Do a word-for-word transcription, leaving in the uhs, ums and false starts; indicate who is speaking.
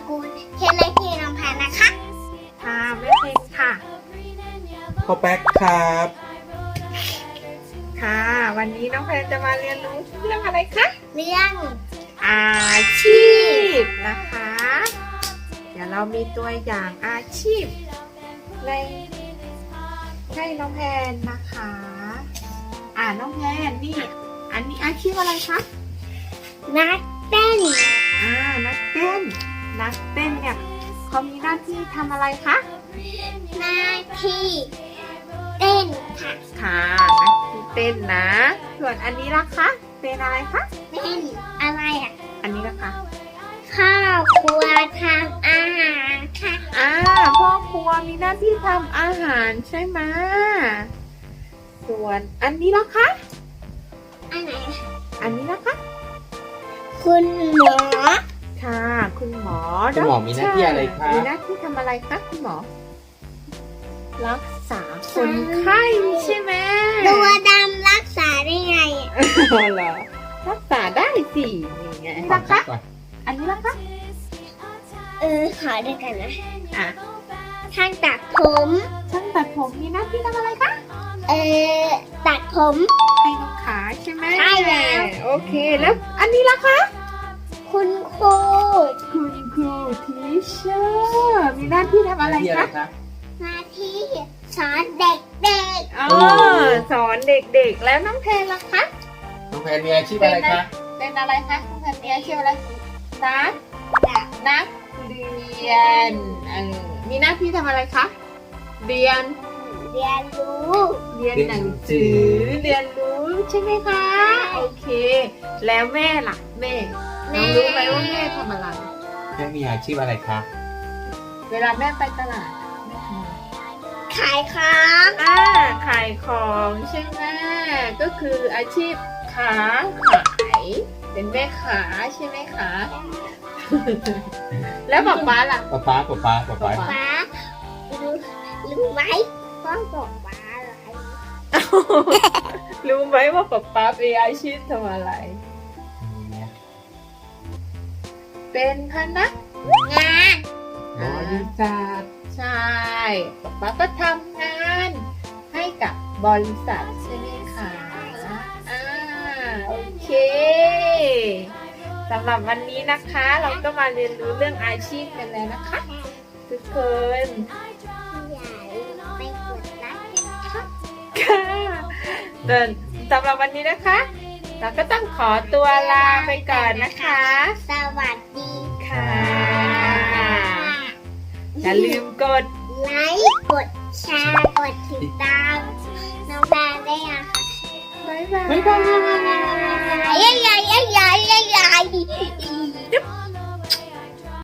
Speaker 1: คุณเคเลพีน้องแพนนะคะ
Speaker 2: ค่ะแม่เพลงค่ะ
Speaker 3: พ่อแป๊กครับ
Speaker 2: ค่ะ วันนี้น้องแพนจะมาเรียนรู้เรื่องอะไรคะ
Speaker 1: เรื่อง
Speaker 2: อาชีพนะคะ เดี๋ยวเรามีตัวอย่างอาชีพในให้น้องแพนนะคะ อ่าน้องแพนนี่ อันนี้อาชีพอะไรคะ
Speaker 1: นักเต้น
Speaker 2: อ่า นักเต้น นักเต้นเนี่ยเขามีหน้าที่ทำอะไรคะ
Speaker 1: หน้าที่เต้นค่ะ
Speaker 2: ค่ะนักที่เต้นนะ ส่วนอันนี้ล่ะคะ เป็นอะไรคะ
Speaker 1: เต้นอะไรอ่ะ
Speaker 2: อันนี้ล่ะคะ
Speaker 1: ข้าวครัวทำอาหารค่ะ
Speaker 2: อ่าพ่อครัวมีหน้าที่ทำอาหารใช่ไหมส่วนอันนี้ล่ะคะ
Speaker 1: อันไหนอะ
Speaker 2: อันนี้ล่ะคะ
Speaker 1: คุณหมอ
Speaker 2: ค่ะ คุณหมอ
Speaker 3: คุณหมอมีหน้าที่อะไรครับ
Speaker 2: มีหน้าที่ทำอะไรคะคุณหมอ รักษาคนไข้ใช่ไหม
Speaker 1: ตัวดำรักษาได้ไงอะ
Speaker 2: อ๋อเหรอรักษาได้สินี่ไงล่ะคะ
Speaker 3: ก่อน
Speaker 2: อันนี้ล่ะคะ
Speaker 1: เออขอด้วยกันนะ
Speaker 2: อ่ะ
Speaker 1: ช่างตัดผม
Speaker 2: ช่างตัดผมมีหน้าที่ทำอะไรคะ
Speaker 1: เออตัดผม
Speaker 2: ให้ลูกค้าใช่ไหม
Speaker 1: ใช่แล้ว
Speaker 2: โอเคแล้วอันนี้ล่ะคะ
Speaker 1: คุณครู
Speaker 2: คุณครูทีเชอร์มีหน้าที่ทำอะไร
Speaker 3: หน้าที่อะไร
Speaker 2: คะ
Speaker 3: ครับ
Speaker 1: หน้าที่สอนเด็ก
Speaker 2: อ๋อสอนเด็กๆแล้วน้องแพนล่ะคะ
Speaker 3: น้องแพนมีอาชีพอะไรคะ
Speaker 2: เป็นอะไรคะน้องแพนมีอาชีพอะไรนัก
Speaker 1: ๆ
Speaker 2: นักเรียนเออมีหน้าที่ทำอะไรคะเรียน
Speaker 1: เรียนรู้
Speaker 2: เรียนหนังสือเรียนรู้ใช่ไหมคะโอเค แล้วแม่ล่ะแม่น้องรู้ไหมว่าแม่ทำอะไร
Speaker 3: แม่มีอาชีพอะไรคะ
Speaker 2: เวลาแม่ไปตลาดแม่ทำอะไร
Speaker 1: ขายของ
Speaker 2: อ่าขายของใช่ไหมก็คืออาชีพค้าขายเป็นแม่ค้าใช่ไหมคะ แล้วป๊าป๊าล่ะ
Speaker 3: ป๊าป๊าป๊าป๊าป๊าป๊า
Speaker 2: ป๊า
Speaker 1: ฟ้ารู้รู้ไหมพ่อบอกฟ้าอะไร
Speaker 2: รู้ไหมว่าป๊าป๊าเป็นอาชีพทำอะไร เป็นพนัก
Speaker 1: งาน
Speaker 2: บริษัทใช่ป๊าป๊าก็ทำงานให้กับบริษัทใช่ไหมคะอ่าโอเคสำหรับวันนี้นะคะ เราก็มาเรียนรู้เรื่องอาชีพกันแล้วนะคะ ทุกคน
Speaker 1: อย่าลืมไปกดไลค์นะครับ
Speaker 2: ค่ะเดินสำหรับวันนี้นะคะ เราก็ต้องขอตัวลาไปก่อนนะคะ
Speaker 1: สวัสดี
Speaker 2: ค่ะอย่าลืมกด
Speaker 1: ไลค์กดแชร์กดติดตามน้องแพนได้ยังคะ
Speaker 2: บ๊ายบาย
Speaker 3: บ๊ายบาย
Speaker 1: ใหญ่ใหญ่ใหญ่ใหญ่ใหญ่
Speaker 2: จุ๊บ